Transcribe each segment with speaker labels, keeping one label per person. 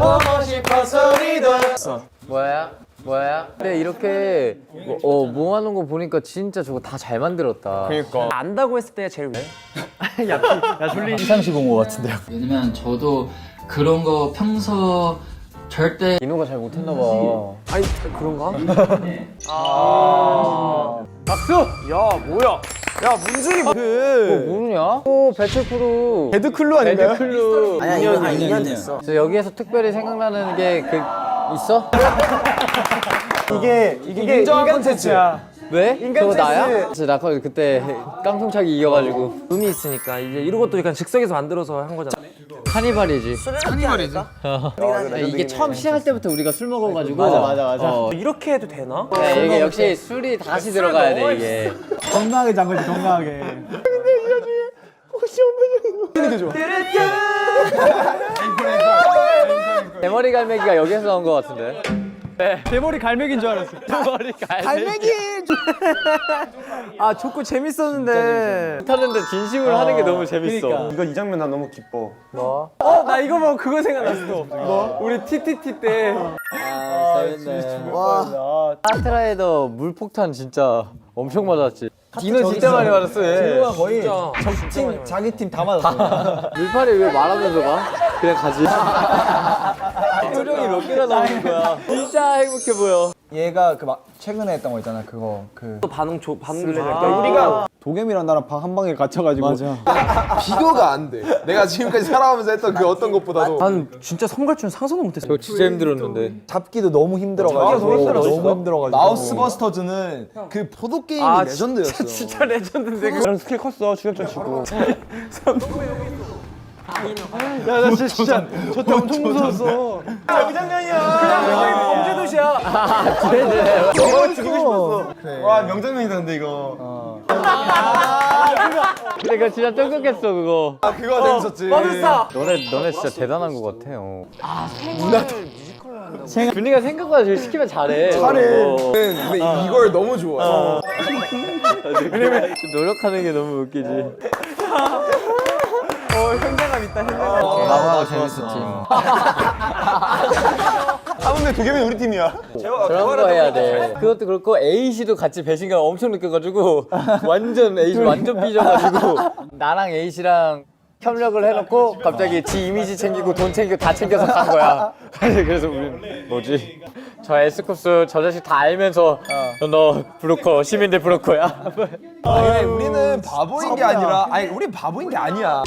Speaker 1: 보고 싶어서 리더.
Speaker 2: 뭐야? 근데 이렇게 모아놓은 거 보니까 진짜 저거 다 잘 만들었다.
Speaker 1: 그러니까 안다고 했을 때 제일
Speaker 3: 야 졸리 시상식 온 거 같은데요.
Speaker 4: 왜냐면 저도 그런 거 평소 절대
Speaker 2: 인호가 잘 못했나 봐.
Speaker 1: 아니 그런가?
Speaker 3: 박수.
Speaker 1: 야 뭐야? 야 문준이
Speaker 2: 모르냐? 오 배틀크루.
Speaker 3: 배드클루 아닌가요?
Speaker 2: 배드클루.
Speaker 5: 아니야 2년 됐어.
Speaker 2: 저 여기에서 특별히 생각나는 게 있어?
Speaker 3: 이게 인간 콘텐츠야.
Speaker 2: 왜?
Speaker 3: 인간
Speaker 2: 그거 나야?
Speaker 3: 센스.
Speaker 2: 나 그때 깡통차기 이겨가지고
Speaker 1: 의미 있으니까 이제 이런 것도 약간 즉석에서 만들어서 한 거잖아.
Speaker 2: 카니발이지.
Speaker 5: 카니발이지.
Speaker 2: 이게 처음 시작할 때부터 우리가 술 먹어가지고
Speaker 3: 맞아.
Speaker 1: 이렇게 해도 되나?
Speaker 2: 이게 역시 술이 다시 들어가야 돼 이게.
Speaker 3: 건강하게 잔 거지 건강하게.
Speaker 2: 대머리 갈매기가 여기서 나온 거 같은데.
Speaker 3: 대머리 갈매기인 줄 알았어.
Speaker 2: 대머리 갈매기.
Speaker 1: 아 좋고 재밌었는데.
Speaker 2: 못하는데 진심으로 하는 게 너무 재밌어.
Speaker 3: 이거 이 장면 난 너무 기뻐.
Speaker 1: 나 이거 보고 그거 생각났어. 뭐? 우리 TTT 때.
Speaker 2: 아 재밌네.
Speaker 5: 와.
Speaker 2: 카트라이더 물폭탄 진짜 엄청 맞았지. 디노 진짜 많이 맞았어 얘.
Speaker 3: 디노가 거의
Speaker 1: 진짜.
Speaker 3: 적팀 자기 팀 다 맞았어.
Speaker 2: 물팔이 왜 말하면서 가? 그냥 가지. 표정이 몇 개나 나오는 거야. 진짜 행복해 보여.
Speaker 3: 얘가 그 막 최근에 했던 거 있잖아. 그거
Speaker 1: 또 반응도
Speaker 3: 우리가 도겸이랑 나랑 방 한 방에 갇혀가지고. 맞아.
Speaker 6: 비교가 안 돼. 내가 지금까지 살아오면서 했던 그 어떤 것보다도
Speaker 1: 난 진짜 선갈줄 상상도 못했어.
Speaker 2: 저 진짜 힘들었는데.
Speaker 3: 잡기도 너무 힘들어가지고. 너무 힘들어가지고.
Speaker 6: 마우스버스터즈는 그 보드 게임이 레전드였어.
Speaker 1: 진짜 레전드인데. 나랑 스킬 컸어 추격전 치고.
Speaker 3: 야나 진짜 저때 엄청 무서웠어. 그 장면이야.
Speaker 1: 범죄도시야.
Speaker 3: 너무 죽이고 싶었어.
Speaker 6: 와 명장면이다 근데 이거.
Speaker 2: 근데 그거 진짜 쫀쫀했어 그거.
Speaker 6: 아 그거 재밌었지.
Speaker 1: 마술사.
Speaker 2: 너네 진짜 대단한 것 같아요. 준이가 생각보다 제일 시키면 잘해.
Speaker 6: 근데 이걸 너무 좋아해.
Speaker 2: 왜냐면 노력하는 게 너무 웃기지.
Speaker 1: 현장감 있다 현장감.
Speaker 2: 나보다 재밌었지.
Speaker 6: 아 근데 도겸이 우리 팀이야.
Speaker 2: 그런 거 해야 돼. 그것도 그렇고 A씨도 같이 배신감 엄청 느껴가지고 완전 A씨 완전 삐져가지고 나랑 A씨랑 협력을 해놓고 갑자기 지 이미지 챙기고 돈 챙기고 다 챙겨서 간 거야. 그래서 우리 뭐지? 저 S쿱스 저 자식 다 알면서 너 브로커 시민들 브로커야.
Speaker 6: 아니 우리는 바보인 게 아니라 우린 바보인 게 아니야.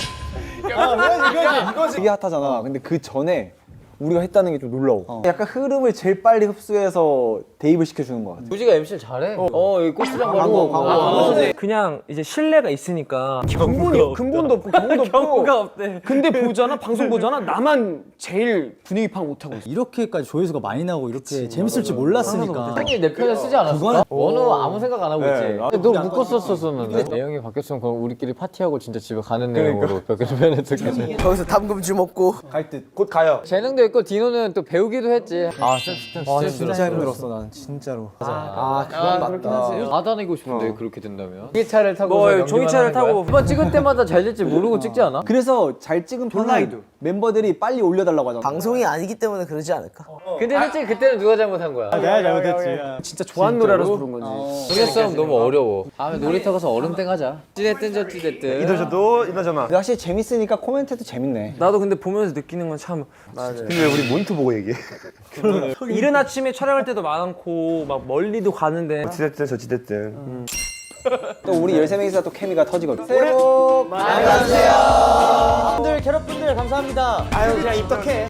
Speaker 3: 되게 핫하잖아. 근데 그 전에 우리가 했다는 게 좀 놀라워. 약간 흐름을 제일 빨리 흡수해서 대입을 시켜주는 것 같아.
Speaker 2: 우지가 MC를 잘해. 여기 고추장 바르고.
Speaker 1: 그냥 이제 신뢰가 있으니까
Speaker 3: 근본도 없고 경우도 없고.
Speaker 1: 경우가 없대.
Speaker 3: 근데 보잖아, 방송 보잖아. 나만 제일 분위기 파악 못하고 있어. 이렇게까지 조회수가 많이 나고 이렇게 재밌을 줄 몰랐으니까.
Speaker 2: 형이 내 편을 쓰지 않았을까? 원우 아무 생각 안 하고 있지. 근데 너 묶었었었는데. 내용이 바뀌었으면 그럼 우리끼리 파티하고 진짜 집에 가는 내용으로 변했었겠지.
Speaker 5: 거기서 담금주 먹고.
Speaker 6: 갈 듯. 곧 가요.
Speaker 2: 재능도 있고 디노는 또 배우기도 했지. 아
Speaker 3: 진짜 힘들었어, 난 진짜로.
Speaker 6: 그건 맞다.
Speaker 2: 다 다니고 싶은데 그렇게 된다면. 종이차를 타고
Speaker 1: 뭐 종이차를 타고
Speaker 2: 한번 찍을 때마다 잘 될지 모르고 찍지 않아?
Speaker 3: 그래서 잘 찍은 편은 멤버들이 빨리 올려달라고 하잖아.
Speaker 5: 방송이 아니기 때문에 그러지 않을까?
Speaker 2: 근데 솔직히 그때는 누가 잘못한 거야?
Speaker 3: 내가 잘못했지.
Speaker 1: 진짜 좋아하는 노래라서 부른 거지.
Speaker 2: 동네 싸움 너무 어려워. 다음에 놀이터 가서 얼음땡 하자. 찌됐든 저 찌됐든.
Speaker 6: 이도저도 이나저나.
Speaker 3: 근데 확실히 재밌으니까 코멘트도 재밌네.
Speaker 1: 나도 근데 보면서 느끼는 건 참
Speaker 6: 근데 왜 우리 모니터 보고 얘기해?
Speaker 1: 이른 아침에 촬영할 때도 많고 막 멀리도 가는데
Speaker 6: 지됐든 저 지됐든.
Speaker 3: 또 우리 13명이서 또 케미가 터지거든. 새해 복 많이 받으세요. 분들 캐럿분들 감사합니다. 아유 그냥 입덕해.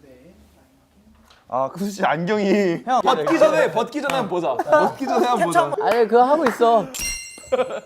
Speaker 6: 아 그 씨 안경이 벗기 전에 한번 보자. 벗기 전에 한번 보자.
Speaker 2: 아니 그거 하고 있어.